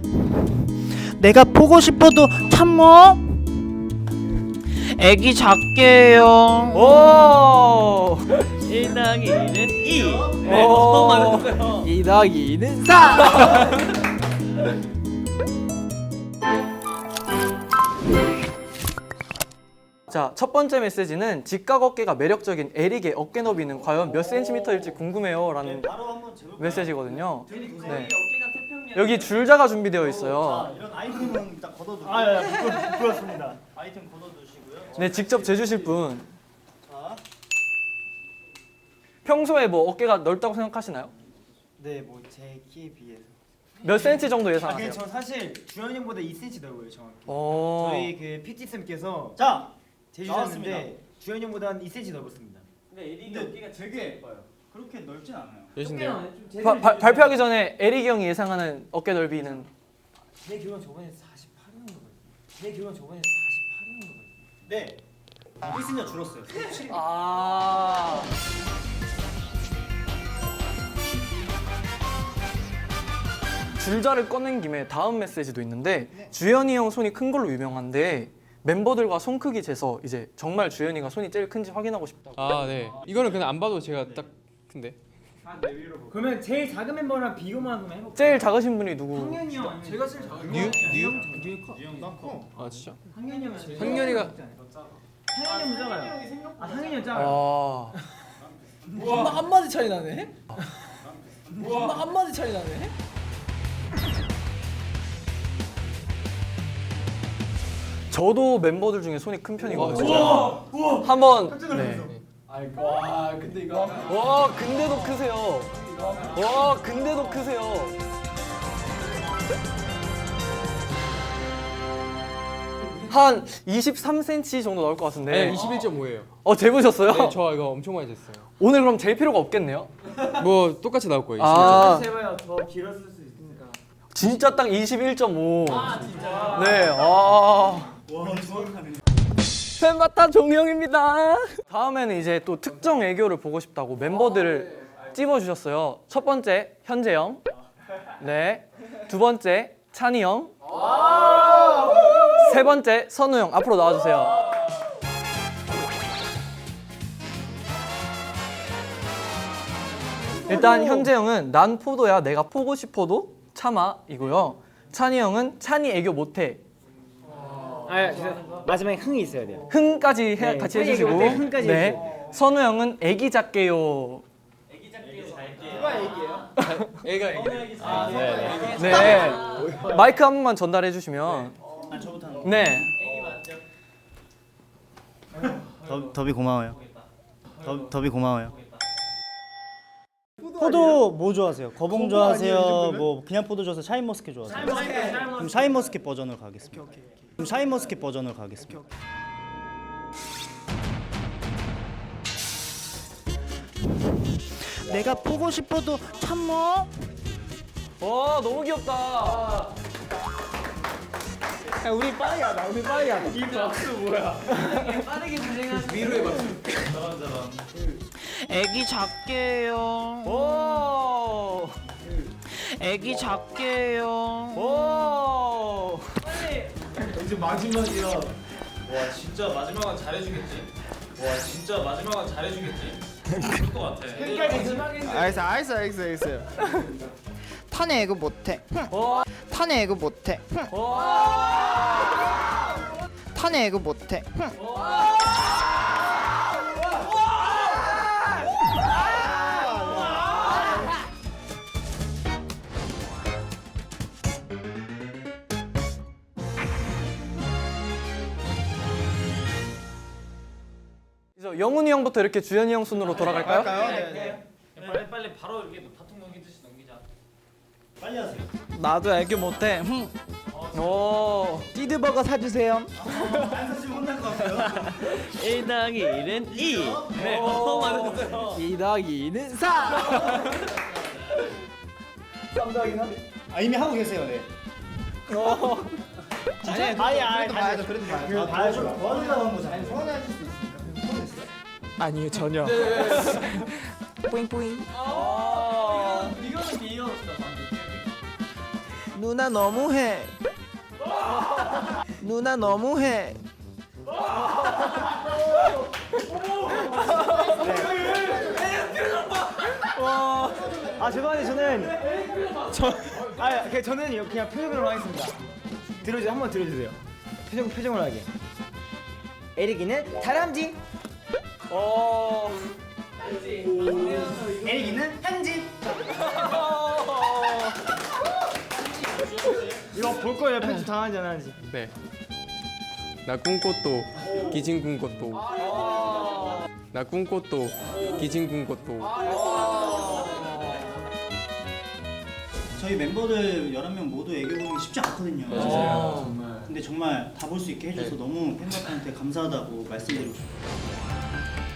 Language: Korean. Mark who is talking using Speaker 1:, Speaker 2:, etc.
Speaker 1: 내가 보고 싶어도 참어. 애기 작게 해요.
Speaker 2: 오! 1 더하기 1은 2. 네, 너무 많았어요.
Speaker 3: 2 더하기 2는 4.
Speaker 2: 자, 첫 번째 메시지는 직각 어깨가 매력적인 에릭의 어깨 너비는 과연 몇 센티미터일지 궁금해요 라는 메시지거든요. 네. 여기 줄자가 준비되어 있어요.
Speaker 4: 이런 아이템은 일단 걷어두고. 부끄럽습니다. 아이템 걷어두시고요.
Speaker 2: 네, 직접 재주실 분.
Speaker 4: 자,
Speaker 2: 평소에 뭐 어깨가 넓다고 생각하시나요?
Speaker 4: 네, 뭐 제 키에 비해서.
Speaker 2: 몇 센치 정도
Speaker 4: 아,
Speaker 2: 예상하세요?
Speaker 4: 저 사실 주현이 형보다 2cm 넓어요, 정확히.
Speaker 2: 저희
Speaker 4: 저희 그 PT 쌤께서 자 재주셨는데 주현이 형보다 한 2cm 넓었습니다.
Speaker 5: 근데 에릭이 어깨가 되게 예뻐요. 그렇게 넓진 않아요.
Speaker 3: 여신데요?
Speaker 2: 발표하기 전에 에릭이 형이 예상하는 어깨 넓이는
Speaker 4: 제 기억은 저번에 48이었던 제 기억은 저번에 48이었던 네. 1cm가 줄었어요.
Speaker 2: 아. 줄자를 꺼낸 김에 다음 메시지도 있는데 주현이 형 손이 큰 걸로 유명한데 멤버들과 손 크기 재서 이제 정말 주현이가 손이 제일 큰지 확인하고 싶다고.
Speaker 3: 아, 네. 이거는 그냥 안 봐도 제가 딱 큰데.
Speaker 4: 그러면 제일 작은 멤버랑 비교만 한번 해볼까요?
Speaker 2: 제일 작으신 분이 누구?
Speaker 4: 황현이 형. 제가 제일 작은
Speaker 3: 뉴?
Speaker 4: 난 커.
Speaker 3: 아, 진짜?
Speaker 4: 황현이 형은 제일
Speaker 3: 황현이가
Speaker 4: 황현이 형 작아요. 아 황현이 형 작아요.
Speaker 2: 아.
Speaker 3: 한 마디 차이 나네. 한 마디 차이 나네.
Speaker 2: 저도 멤버들 중에 손이 큰 편이거든요. 한번. 네.
Speaker 3: 와, 근데 이거
Speaker 2: 와, 근데도 크세요. 와, 근데도 크세요. 한 23cm 정도 나올 것 같은데.
Speaker 3: 네, 21.5예요.
Speaker 2: 재보셨어요?
Speaker 3: 네, 저 이거 엄청 많이 쟀어요.
Speaker 2: 오늘 그럼 잴 필요가 없겠네요?
Speaker 3: 뭐 똑같이 나올 거예요.
Speaker 2: 아,
Speaker 4: 제발 더 길었을 수 있으니까.
Speaker 2: 진짜 딱 21.5.
Speaker 4: 아 진짜.
Speaker 2: 네,
Speaker 4: 와 정확하네.
Speaker 2: 팬바타 종영입니다. 다음에는 이제 또 특정 애교를 보고 싶다고 멤버들을 찝어주셨어요. 첫 번째 현재 형, 네. 두 번째 찬이 형, 세 번째 선우 형 앞으로 나와주세요. 일단 현재 형은 난 포도야 내가 포고 싶어도 참아이고요. 찬이 형은 찬이 애교 못해.
Speaker 4: 아 마지막에 흥이 있어야 돼요.
Speaker 2: 흥까지
Speaker 4: 네,
Speaker 2: 같이
Speaker 4: 찬이
Speaker 2: 해주시고.
Speaker 4: 애교 못해, 흥까지
Speaker 2: 네.
Speaker 4: 해주세요.
Speaker 2: 선우 형은 애기 작게요.
Speaker 4: 누가 얘기해요?
Speaker 3: 애가 애기.
Speaker 2: 네. 마이크 한 번만 전달해 주시면.
Speaker 4: 아 저부터 하는 거.
Speaker 2: 네.
Speaker 6: 더비 고마워요. 더비 고마워요.
Speaker 4: 포도 뭐 좋아하세요? 거봉 좋아하세요? 뭐 그냥 포도 좋아하세요? 샤인머스켓 좋아하세요? 그럼 샤인머스켓 버전으로 가겠습니다. 그럼 샤인머스켓 버전으로 가겠습니다.
Speaker 1: 내가 보고 싶어도 참어.
Speaker 2: 와, 너무 귀엽다.
Speaker 3: 우리 빠르게 하자. 우리 빠르게 하자. 위로의 박수.
Speaker 1: 애기 작게 해요.
Speaker 2: 오.
Speaker 1: 애기 작게 해요.
Speaker 2: 오.
Speaker 5: 이제 마지막이야. 와 진짜 마지막은 잘해주겠지. 와 진짜 마지막은 잘해주겠지. 그럴 것 같아.
Speaker 3: 알겠어요.
Speaker 1: 탄에 애교 못해.
Speaker 2: 와.
Speaker 1: 탄에 애교 못해. 탄에 애교 못해.
Speaker 2: 이제 영훈이 형부터 이렇게 주현이 형 순으로 돌아갈까요?
Speaker 5: 빨리 바로 이렇게 바통 넘기듯이 넘기자.
Speaker 4: 빨리 하세요.
Speaker 1: 나도 애교 못해.
Speaker 2: 오.
Speaker 1: 띠드버거 사주세요.
Speaker 4: 사실 혼날 것 같아요.
Speaker 5: 1 더하기 1은 2. 네, 너무 많았어요.
Speaker 3: 2 더하기 2는 4.
Speaker 4: 아 이미 하고 계세요, 네. 진짜? 아예 봐야죠. 그래도 봐야죠. 봐야죠. 원하려고 한 거잖아요. 소원하실 수 있습니까?
Speaker 3: 아니요, 전혀.
Speaker 1: 뿌잉뿌잉.
Speaker 5: 이거는 귀여웠어.
Speaker 1: 누나 너무해. 누나 너무해.
Speaker 6: 아 죄송한데 저는 그냥 표정으로 하겠습니다. 들어주세요. 한번 들어주세요. 표정으로 하게. 에릭이는 다람쥐. 에릭이는 현지. 이거 볼 거예요. 편집 당하지 안 하는지.
Speaker 7: 네. 나 꿈꽃도 기진 꿈꽃도. 나 꿈꽃도 기진 꿈꽃도.
Speaker 4: 저희 멤버들 11명 모두 애교 보기 쉽지 않거든요. 근데 정말 다 볼 수 있게 해줘서 너무 팬분들한테 감사하다고 말씀드리고 싶어요.